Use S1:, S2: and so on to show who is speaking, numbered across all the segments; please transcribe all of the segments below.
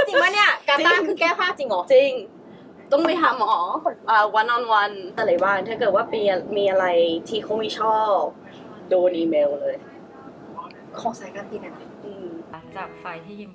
S1: จริงปะเนี่ยกาตาร์คือแก้ผ้าจริงเหรอ
S2: จริงต้องไปหาหมอone on one อะไรบ้างถ้าเกิดว่ามีอะไรที่เขาไม่ชอบโดนอีเมลเลย
S1: ของสายการบินอะนะ
S3: จากไฟล์ที่ยิม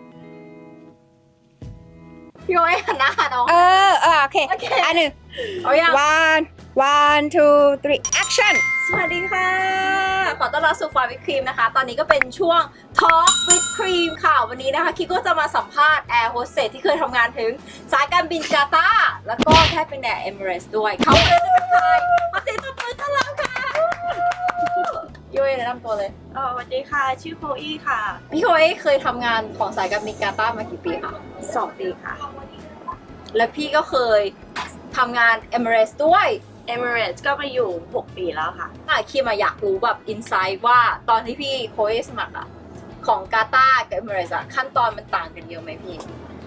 S1: พี่โอ้ยหันหน้าหาน้อง
S3: โอเค
S1: โอเค
S3: อันหนึ่ง
S1: เอายัง
S3: one two three action
S1: สวัสดีค่ะ ขอต้อนรับสู่ฟาวิครีมนะคะ ตอนนี้ก็เป็นช่วง Talk with Cream ค่ะ วันนี้นะคะคิดก็จะมาสัมภาษณ์แอร์โฮสเตสที่เคยทำงานถึงสายการบินกาตาร์แล้วก็แค่เป็นแอร์เอมิเรตส์ด้วย เขาเลยจะเป็นใครมาสิตัวต้อนรับค่ะยุ้ยแนะนำตัวเลย
S2: สวัสดีค่ะชื่อโคอี้ค่ะ
S1: พี่โอ้ยเคยทำงานของสายการบินกาตาร์มากี่ปีคะ
S2: 2 ปีค่ะ
S1: และพี่ก็เคยทำงานเอมิเรตส์ด้วย
S2: Emirates ก็มาอยู่ 6 ปีแล้วค่ะ
S1: คิมอยากรู้แบบอินไซต์ว่าตอนที่พี่โค้ชสมัครอะของกาตาร์กับเอมิเรตส์ขั้นตอนมันต่างกันเยอะไหมพี่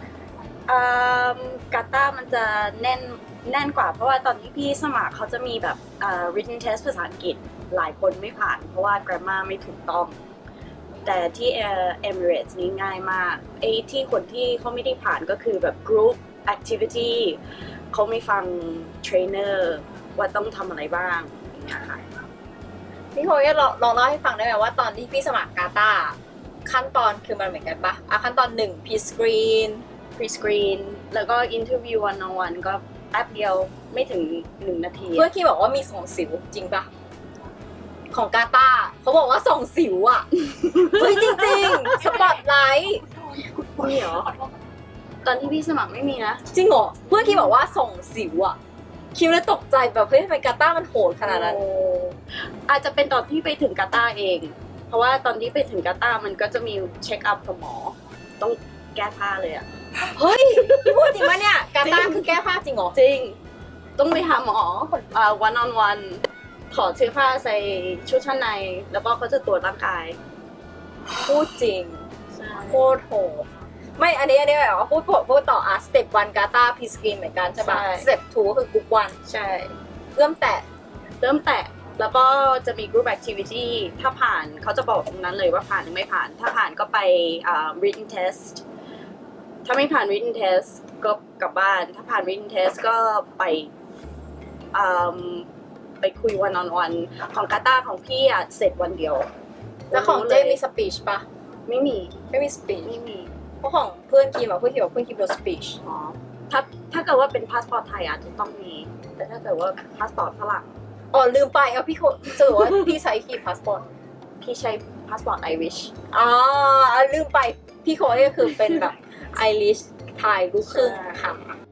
S2: กาตาร์มันจะแน่นกว่าเพราะว่าตอนที่พี่สมัครเขาจะมีแบบwritten test ภาษาอังกฤษหลายคนไม่ผ่านเพราะว่า grammar ไม่ถูกต้อง แต่ที่Emirates นี้ง่ายมากไอ้ที่คนที่เขาไม่ได้ผ่านก็คือแบบ group activity เขาไม่ฟังเทรนเนอร์ว่าต้องทำอะไรบ้างอย่างเงี้ยค่ะ
S1: พี่โค้ชลองเล่าให้ฟังได้ไหมว่าตอนที่พี่สมัครกาตาร์ขั้นตอนคือมันเหมือนกันปะขั้นตอน1 pre-screen
S2: pre-screen แล้วก็ interview one on one ก็แป๊บเดียวไม่ถึง1 นาที
S1: เพื่อนคิมบอกว่ามีส่งสิวจริงปะของกาตาร์เขาบอกว่าส่งสิวอะเฮ้ยจริงๆสปอตไลท์
S2: มีเหรอ ตอนที่พี่สมัครไม่มีนะ
S1: จริงเหรอเพื่อนคิมบอกว่าส่งสิวอะคิมเลยตกใจแบบเฮ้ยทำไมกาตาร์มันโหดขนาดนั้น
S2: อาจจะเป็นตอนที่ไปถึงกาตาร์เอง เพราะว่าตอนที่ไปถึงกาตาร์มันก็จะมีเช็คอัพกับหมอ ต้องแก้ผ้าเลยอะ
S1: เฮ้ยพี่พูดจริงปะเนี่ยกาตาร์คือแก้ผ้าจริงเหรอ
S2: จริง ต้องไปหาหมอone on one ถอดเสื้อผ้าใส่ชุดชั้นใน แล้วก็เขาจะตรวจร่างกาย
S1: พูดจริงโคตรโหดไม่อันนี้แบบว่าพูดต่อสเต็ป1กาตาร์พีสกรีนเหมือนกันใช่ปะสเต็ป2ก็คือกรุ๊ปวัน
S2: ใช่
S1: เริ่มแตะ
S2: เริ่มแตะแล้วก็จะมี group activity ถ้าผ่านเขาจะบอกตรงนั้นเลยว่าผ่านหรือไม่ผ่าน ถ้าผ่านก็ไปwritten test ถ้าไม่ผ่าน written test ก็กลับบ้าน ถ้าผ่าน written test ก็ไปคุย one on one ของกาตาร์ของพี่อะเสร็จวันเดียว
S1: แล้วของเจมีสปีชปะ
S2: ไม่มี
S1: ไม่มีสปีช
S2: ไม่มี
S1: เพราะของเพื่อนคิมอะเพื่อนคิมบอกเพื่อนคิมโดนสปีช
S2: อ๋อถ้าเกิดว่าเป็นพาสปอร์ตไทยอาจจะต้องมี แต่ถ้าเกิดว่าพาสปอร์ตฝรั่ง
S1: อ๋อลืมไปเอาพี่โคสรุปว่าพี่ใช้คีย์พาสปอร์ต
S2: พี่ใช้พาสปอร์ตไอริช
S1: อ๋อลืมไปพี่โคนี่ก็คือเป็นแบบไอริชไทยลูกครึ่งค่ะ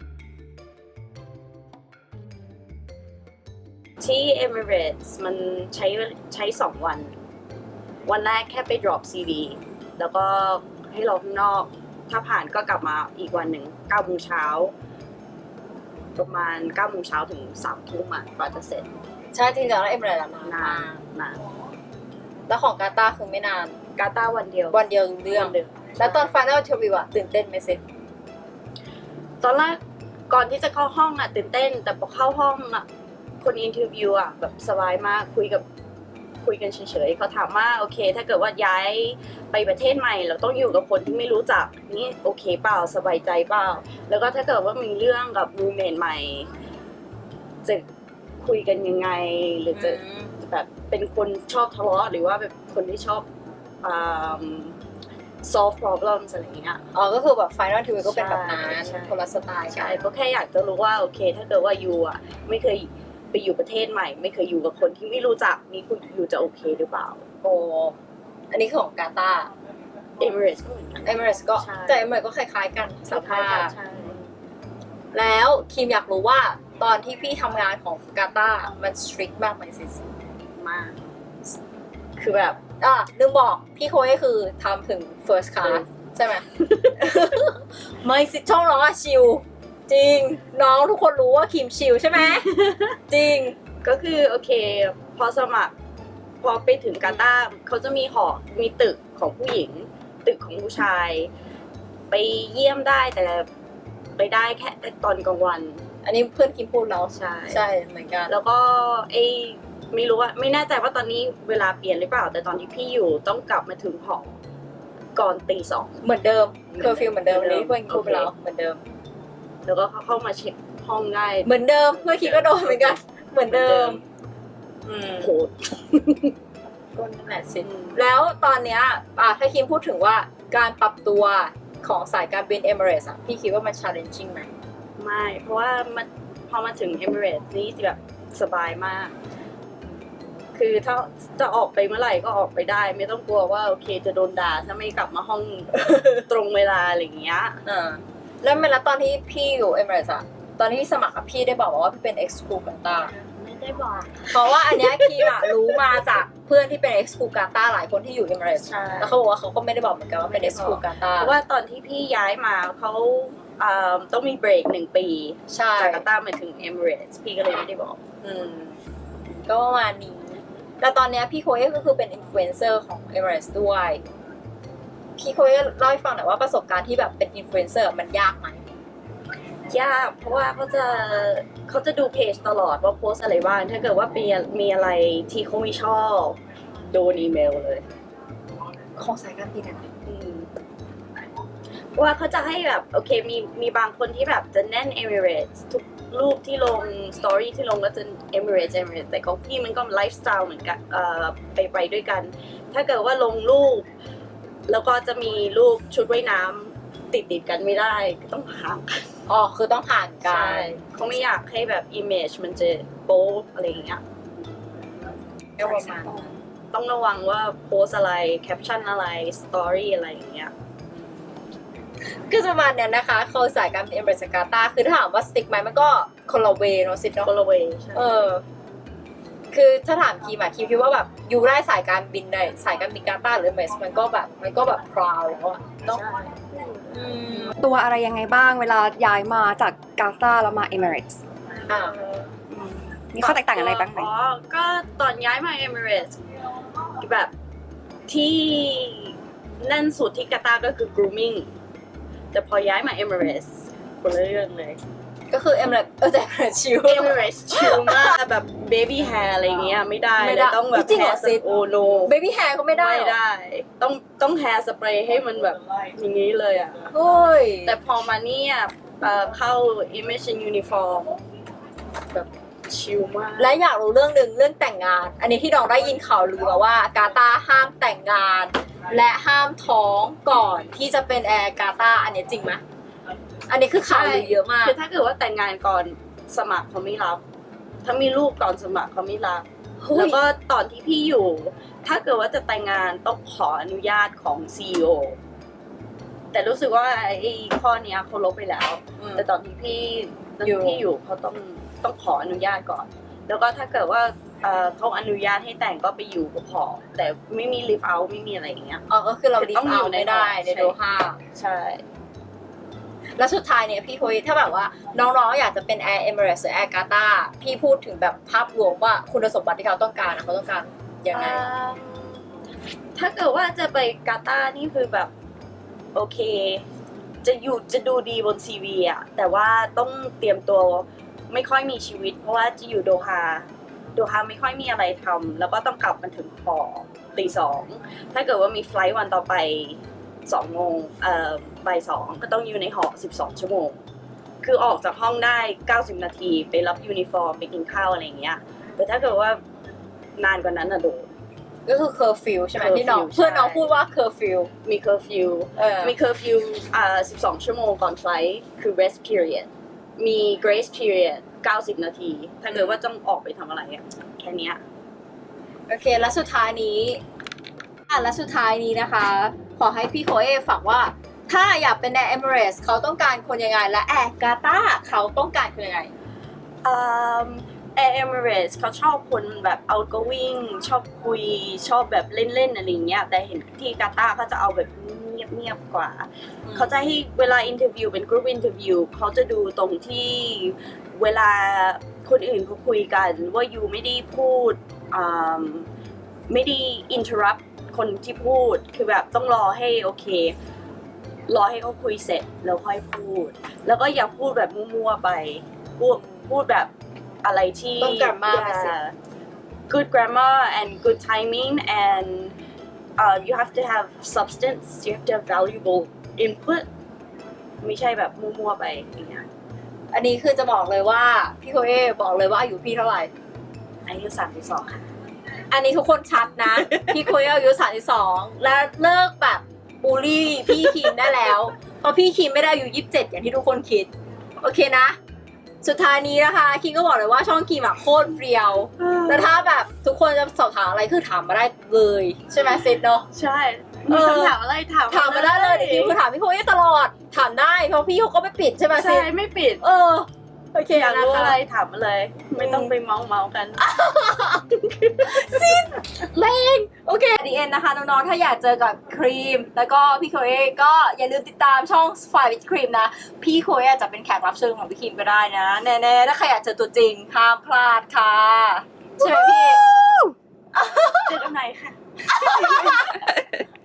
S2: ที่ Emirates มันใช้2 วัน วันแรกแค่ไป drop CV แล้วก็ให้รอข้างนอก ถ้าผ่านก็กลับมาอีกวันหนึ่ง9 โมงเช้า ประมาณ9 โมงเช้าถึง3 ทุ่มอ่ะกว่าจะเสร็จ
S1: ใช่จริงๆแล้วเอ็มเรตนาน
S2: นาม
S1: าน ก
S2: นาน
S1: แล้วของกาตาร์คือไม่นาน
S2: กาตาร์วันเดียว
S1: วันเดียวรู้เรื่อง
S2: วันเดียว
S1: แล้วตอน Final Interview อะตื่นเต้นไหมเซ็ต
S2: ตอนแรกก่อนที่จะเข้าห้องอ่ะตื่นเต้น แต่พอเข้าห้องอ่ะคนอินเทอร์วิวอ่ะแบบสบายมากคุยกันเฉยๆเขาถามว่าโอเค ถ้าเกิดว่าย้ายไปประเทศใหม่เราต้องอยู่กับคนที่ไม่รู้จักนี่โอเคเปล่าสบายใจเปล่าแล้วก็ถ้าเกิดว่ามีเรื่องกับรูเมทใหม่จะคุยกันยังไงหรือจะแบบเป็นคนชอบทะเลาะหรือว่าแบบคนที่ชอบsolve problems อะไรอย่างเงี้ย
S1: อ๋อก็คือแบบ Final Interview ก็เป็นแบบนั้น
S2: ใช่
S1: คนละสไตล์
S2: ใช่ก็แค่อยากจะรู้ว่าโอเค ถ้าเกิดว่ายูอ่ะไม่เคยไปอยู่ประเทศใหม่ ไม่เคยอยู่กับคนที่ไม่รู้จักนี่คุณยูจะโอเคหรือเปล่า
S1: โอ้อันนี้คือของกาตาร์
S2: Emirates ก็เหมือนกัน
S1: เอมิเรตก็
S2: ใช่
S1: แต่เอมิเรตก็คล้ายๆกันสภาพ
S2: ใช่
S1: แล้วคิมอยากรู้ว่าตอนที่พี่ทำงานของกาตาร์มันสตริกมากไหมซิ
S2: มาก คือแบบ
S1: ลืมบอกพี่โค้ชคือทำถึง first class ใช่ไหม ไม่สิช่องน้องอะชิลจริงน้องทุกคนรู้ว่าคิมชิลใช่ไหม จริง
S2: ก็คือโอเค พอสมัคร พอไปถึงกาตาร์เขาจะมีหอ มีตึกของผู้หญิง ตึกของผู้ชาย ไปเยี่ยมได้แต่ไปได้แค่ตอนกลางวัน
S1: อันนี้เพื่อนคิมพูดแล้ว
S2: ใช่
S1: ใช่เหมือนกัน
S2: แล้วก็ไม่รู้ว่าไม่แน่ใจว่าตอนนี้เวลาเปลี่ยนหรือเปล่า แต่ตอนที่พี่อยู่ต้องกลับมาถึงหอก่อนตี 2
S1: เหมือนเดิมเคอร์ฟิวเหมือนเดิม
S2: เหมือนเดิม
S1: นี้เพื่อนพูดไปแล้วเหมือนเดิม
S2: แล้วก็เข้ามาเช็คห้องได้
S1: เหมือนเดิมเมื่อกี้ก็โดนเหมือนกันเหมือนเดิม
S2: โหด
S1: ก็นั่นแหละสิแล้วตอนเนี้ยถ้าคิมพูดถึงว่าการปรับตัวของสายการบิน Emirates อะพี่คิดว่ามัน challenging ไหม
S2: ไม่ เพราะว่ามันพอมาถึง Emirates นี่แบบสบายมาก คือถ้าจะออกไปเมื่อไหร่ก็ออกไปได้ ไม่ต้องกลัวว่าโอเคจะโดนด่าถ้าไม่กลับมาห้อง ตรงเวลาอะไรอย่างเงี้ย
S1: แล้วเวลาตอนที่พี่อยู่ Emirates อะตอนที่พี่สมัครอะพี่ได้บอกว่าพี่เป็น ex crew กาตาร์
S2: ไม่ได้บอก
S1: เพราะว่าอันเนี้ยคิมอะรู้มาจากเพื่อนที่เป็น ex crew กาตาร์หลายคนที่อยู่ Emirates
S2: ใช่
S1: แล้วเขาบอกว่าเขาก็ไม่ได้บอกเหมือนกันว่าเป็น ex crew กาตาร์
S2: เพราะว่าตอนที่พี่ย้ายมาเขาต้องมีเบรก1 ปี
S1: ใช่
S2: จากกาตาร์มาถึง Emirates พี่ก็เลยไม่ได้บอก
S1: ก็ประมาณนี้แต่ตอนเนี้ยพี่โคเอะก็คือเป็นอินฟลูเอนเซอร์ของ Emirates ด้วย พี่โคเอะเล่าให้ฟังหน่อยว่าประสบการณ์ที่แบบเป็นอินฟลูเอนเซอร์มันยากไหม
S2: ยากเพราะว่าเขาจะดูเพจตลอดว่าโพสอะไรบ้าง ถ้าเกิดว่ามีอะไรที่เขาไม่ชอบโดนอีเมลเลย
S1: ของสายการบินอะนะ
S2: เพราะว่าเขาจะให้แบบโอเคมีบางคนที่แบบจะแน่น Emirates ทุกรูปที่ลงสตอรี่ที่ลงก็จะ Emirates แต่ของพี่มันก็ไลฟ์สไตล์เหมือนกันไปด้วยกัน ถ้าเกิดว่าลงรูป แล้วก็จะมีรูปชุดว่ายน้ำติดกันไม่ได้ก็ต้องห่างกัน
S1: อ๋อคือต้องผ่านกั
S2: ใช่
S1: น
S2: เขาไม่อยากให้แบบ image มันจะโป๊อะไรอย่างเงี้ย
S1: ก็ประมาณนั้น
S2: ต้องระวังว่าโพสอะไรแคปชั่นอะไรสตอรี่อะไรอย่างเงี้ย
S1: คือประมาณเนี้ยนะคะเขาสายการบิน Emirates กาตาร์คือถ้าถามว่าสติ๊กไหมมันก็คนละเวเนาะสิเนาะ
S2: คนละเวใช่
S1: คือถ้าถามคิมอะคิมคิดว่าแบบอยู่ได้สายการบินในสายการบินกาตาร์หรือ Emirates มันก็แบบพราวแล้วอะเนาะ
S2: ใช่
S3: ตัวอะไรยังไงบ้างเวลาย้ายมาจากกาตาร์แล้วมา Emirates
S1: อ่า
S3: มีข้อแตกต่างอะไรบ้างไหม
S2: อ๋อ ก็ตอนย้ายมา Emirates แบบที่แน่นสุดที่กาตาร์ก็คือ grooming แต่พอย้ายมา Emirates คนละเรื่องเลย
S1: ก็คือ Emirates แต่ Emirates ชิล
S2: Emirates ชิลมากแบบ baby hair อะไรเงี้ยไม่ได้
S1: ไม่
S2: เล
S1: ได้
S2: ยต้องแบบ
S1: จริงเหรอ
S2: hair
S1: ซิ
S2: โอโน
S1: baby hair ก็ไม่ได้
S2: ไม่
S1: เหรอ
S2: ได้ ต้อง hair spray ให้มันแบบอย่างนี้เลยอ่ะ
S1: โอ้ย
S2: แต่พอมาเนี่ยเข้า image and uniform แบบชิลมาก
S1: และอยากรู้เรื่องหนึ่งเรื่องแต่งงาน อันนี้ที่น้องได้ยินข่าวลือมาว่ากาตาร์ห้ามแต่งงาน และห้ามท้องก่อนที่จะเป็นแอร์กาตาร์อันนี้จริงไหมอันนี้คือข่าวลือเยอะมาก
S2: คือถ้าเกิดว่าแต่งงานก่อนสมัครเขาไม่รับ ถ้ามีลูกก่อนสมัครเขาไม่รับ
S1: เฮ้ย
S2: แล้วก็ตอนที่พี่อยู่ ถ้าเกิดว่าจะแต่งงานต้องขออนุญาตของ CEO แต่รู้สึกว่าไอ้ข้อเนี้ยเขาลบไปแล้ว แต่ตอนที่พี่อยู่เขาต้องขออนุญาตก่อน แล้วก็ถ้าเกิดว่าเขาอนุญาตให้แต่งก็ไปอยู่ก็พอ แต่ไม่มี live out ไม่มีอะไรอย่างเงี้ย
S1: อ๋อก็คือเราดี
S2: ต้องอยู่
S1: ไม่ได้
S2: ใน
S1: ใน
S2: หอ
S1: โดฮา
S2: ใช่
S1: แล้วสุดท้ายเนี่ยพี่คุยถ้าแบบว่าน้องๆอยากจะเป็นแอร์เอมิเรตส์หรือแอร์กาตาร์พี่พูดถึงแบบภาพรวมว่าคุณสมบัติที่เขาต้องการเขาต้องการยังไง
S2: ถ้าเกิดว่าจะไปกาตาร์นี่คือแบบโอเค จะดูดีบนซีวีอะแต่ว่าต้องเตรียมตัวไม่ค่อยมีชีวิต เพราะว่าจะอยู่โดฮาไม่ค่อยมีอะไรทำแล้วก็ต้องกลับมาถึงหอตี 2ถ้าเกิดว่ามีไฟลท์วันต่อไป2 โมงบ่าย 2ก็ต้องอยู่ในหอ12 ชั่วโมง คือออกจากห้องได้90 นาทีไปรับยูนิฟอร์มไปกินข้าวอะไรอย่างเงี้ยแต่ถ้าเกิดว่านานกว่านั้นอะโดน
S1: ก็คือเคอร์ฟิวใช่ไหม
S2: curfew
S1: ที่น้อง
S2: ใช่
S1: เพื่อนน้องพูดว่าเคอร์ฟิว
S2: มีเคอร์ฟิว มีเคอร์ฟิว12 ชั่วโมงก่อนไฟลท์คือ rest period มี grace period 90 นาที ถ้าเกิดว่าต้องออกไปทำอะไรอะแค่เนี้ย
S1: โอเคแล้วสุดท้ายนี้และสุดท้ายนี้นะคะ ขอให้พี่โคเอฝากว่า ถ้าอยากเป็นแอร์เอมิเรตส์เขาต้องการคนยังไงและแอร์กาตาร์เขาต้องการคนยังไง
S2: Air Emirates เขาชอบคนแบบ outgoing ชอบคุยชอบแบบเล่นๆอะไรอย่างเงี้ยแต่เห็นที่กาตาร์เขาจะเอาแบบเงียบๆกว่า เขาจะให้เวลาอินเทอร์วิวเป็นกรุ๊ปอินเทอร์วิวเขาจะดูตรงที่เวลาคนอื่นเขาคุยกันว่ายูไม่ได้พูดไม่ได้ interrupt คนที่พูดคือแบบต้องรอให้โอเค รอให้เขาคุยเสร็จแล้วค่อยพูด แล้วก็อย่าพูดแบบมั่วๆไปพูดแบบอะไรที่
S1: ต้อง grammar มาสิ
S2: good grammar and good timing and you have to have substance you have to have valuable input ไม่ใช่แบบมั่วๆไปอย่างเงี้ย
S1: อันนี้คือจะบอกเลยว่าพี่โคเอบอกเลยว่าอายุพี่เท่าไหร่
S2: อายุ32 ค่ะ
S1: อันนี้ทุกคนชัดนะ พี่โคเออายุ32และเลิกแบบบูลลี่พี่คิมได้แล้วเพราะพี่คิมไม่ได้อายุ27อย่างที่ทุกคนคิดโอเคนะ สุดท้ายนี้นะคะคิมก็บอกเลยว่าช่องคิมอะโคตรเรียวแล้วถ้าแบบทุกคนจะสอบถามอะไรคือถามมาได้เลยใช่ไหมซิดเนาะ
S2: ใช่มีคำถามอะไรถาม
S1: ถามมาได้เลยเดี๋ยวคิมคือถามพี่โคเอตลอดถามได้เพราะพี่เขาก็ไม่ปิดใช่ไหมซิ
S2: ใช่
S1: ด
S2: ไม่ปิด
S1: โอเค
S2: อยาก
S1: นะ
S2: รู้
S1: คะ
S2: อะไรถามมาเลย ไม่ต้องไปเมากัน
S1: แรงโอเคดีเอ็นนะคะน้องๆถ้าอยากเจอกับครีมแล้วก็พี่โคเอก็อย่าลืมติดตามช่องฝ่ายวิดครีมนะพี่โคเออาจจะเป็นแขกรับเชิญของพี่ครีมก็ได้นะแน่ๆถ้าใครอยากเจอตัวจริงห้ามพลาดค่ะใช่ไหมพี่
S2: เจอกันไหนค่ะ